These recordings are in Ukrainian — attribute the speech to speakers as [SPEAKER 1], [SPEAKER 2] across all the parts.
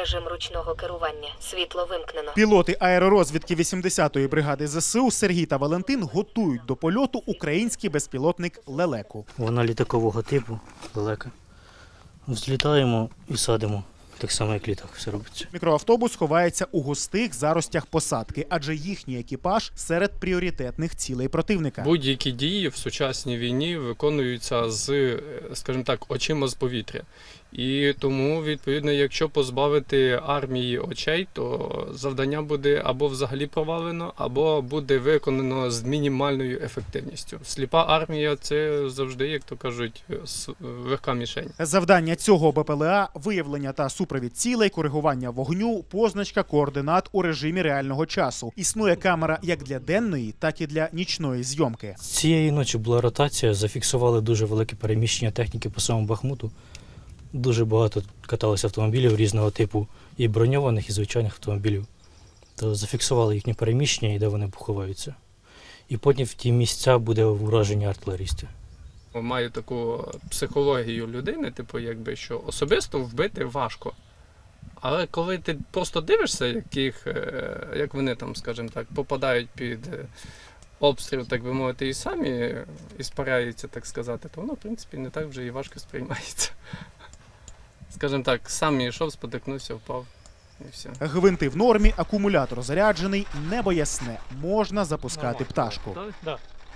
[SPEAKER 1] Режим ручного керування. Світло вимкнено.
[SPEAKER 2] Пілоти аеророзвідки 80-ї бригади ЗСУ Сергій та Валентин готують до польоту український безпілотник «Лелеку».
[SPEAKER 3] Вона літакового типу, лелека. Взлітаємо і садимо. Так само, як літак, все робиться.
[SPEAKER 2] Мікроавтобус ховається у густих заростях посадки, адже їхній екіпаж серед пріоритетних цілей противника.
[SPEAKER 4] Будь-які дії в сучасній війні виконуються з, скажімо так, очима з повітря. І тому, відповідно, якщо позбавити армії очей, то завдання буде або взагалі провалено, або буде виконано з мінімальною ефективністю. Сліпа армія – це завжди, як то кажуть, легка мішень.
[SPEAKER 2] Завдання цього БПЛА – виявлення та супровід цілей, коригування вогню, позначка координат у режимі реального часу. Існує камера як для денної, так і для нічної зйомки.
[SPEAKER 3] Цієї ночі була ротація, зафіксували дуже велике переміщення техніки по самому Бахмуту. Дуже багато каталося автомобілів різного типу, і броньованих, і звичайних автомобілів. То зафіксували їхнє переміщення і де вони поховаються. І потім в ті місця буде ураження артилерістів.
[SPEAKER 4] Маю таку психологію людини, типу, якби, що особисто вбити важко. Але коли ти просто дивишся, як вони там, скажімо так, попадають під обстріл, так би мовити, і самі іспаряються, так сказати, то воно, в принципі, не так вже і важко сприймається. Скажімо так, сам йшов, спотикнувся, впав і все.
[SPEAKER 2] Гвинти в нормі, акумулятор заряджений, небо ясне. Можна запускати пташку.
[SPEAKER 3] Да.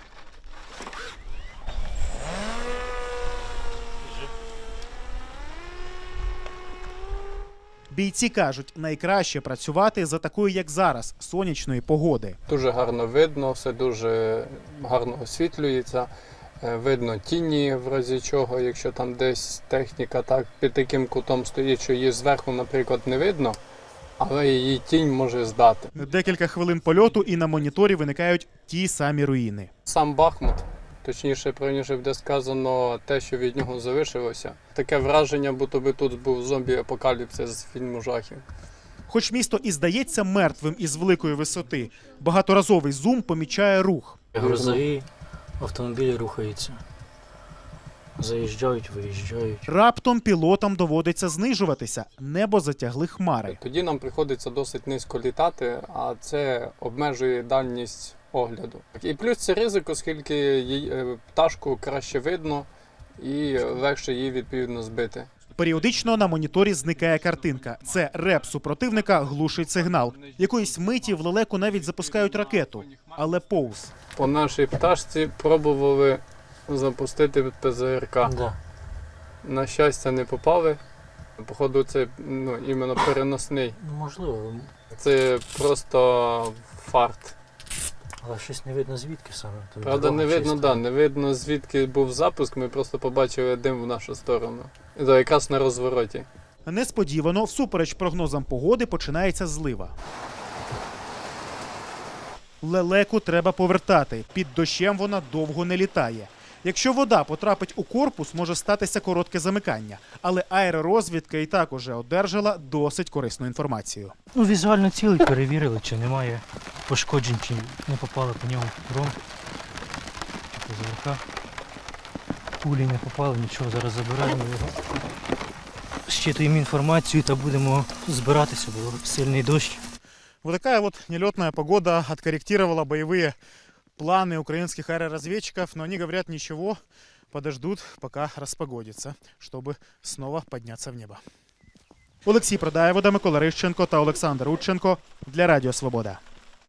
[SPEAKER 2] Бійці кажуть, найкраще працювати за такої, як зараз, сонячної погоди.
[SPEAKER 4] Дуже гарно видно, все дуже гарно освітлюється. Видно тіні, в разі чого, якщо там десь техніка так під таким кутом стоїть, що її зверху, наприклад, не видно, але її тінь може здати.
[SPEAKER 2] Декілька хвилин польоту і на моніторі виникають ті самі руїни.
[SPEAKER 4] Сам Бахмут, точніше, правильніше буде сказано, те, що від нього залишилося. Таке враження, будто би тут був зомбі-апокаліпсис з фільму жахів.
[SPEAKER 2] Хоч місто і здається мертвим із великої висоти, багаторазовий зум помічає рух.
[SPEAKER 3] Грузові автомобілі рухаються. Заїжджають, виїжджають.
[SPEAKER 2] Раптом пілотам доводиться знижуватися, небо затягли хмари.
[SPEAKER 4] Тоді нам приходиться досить низько літати, а це обмежує дальність огляду. І плюс це ризик, оскільки пташку краще видно і легше її відповідно збити.
[SPEAKER 2] Періодично на моніторі зникає картинка. Це реп супротивника глушить сигнал. Якоїсь миті в «Лелеку» навіть запускають ракету, але повз.
[SPEAKER 4] По нашій пташці пробували запустити ПЗРК.
[SPEAKER 3] Да.
[SPEAKER 4] На щастя, не попали. Походу, це іменно переносний.
[SPEAKER 3] Можливо,
[SPEAKER 4] Це просто фарт.
[SPEAKER 3] але щось не видно звідки саме.
[SPEAKER 4] Правда, не видно, не видно звідки був запуск, ми просто побачили дим в нашу сторону. І то якраз на розвороті.
[SPEAKER 2] Несподівано, всупереч прогнозам погоди, починається злива. «Лелеку» треба повертати. Під дощем вона довго не літає. Якщо вода потрапить у корпус, може статися коротке замикання. Але аеророзвідка і так уже одержала досить корисну інформацію.
[SPEAKER 3] Візуально цілий перевірили, чи немає пошкоджень, чи не попали по ньому дрон. ПЗРК. Пулі не попали, нічого, зараз забираємо його. Щитуємо інформацію та будемо збиратися, бо сильний дощ.
[SPEAKER 2] Вот такая вот нелетная погода откорректировала боевые планы украинских аэроразведчиков, но они говорят, ничего, подождут, пока распогодится, чтобы снова подняться в небо. Олексій Продаєвода, Микола Рищенко та Олександр Удченко для Радіо Свобода.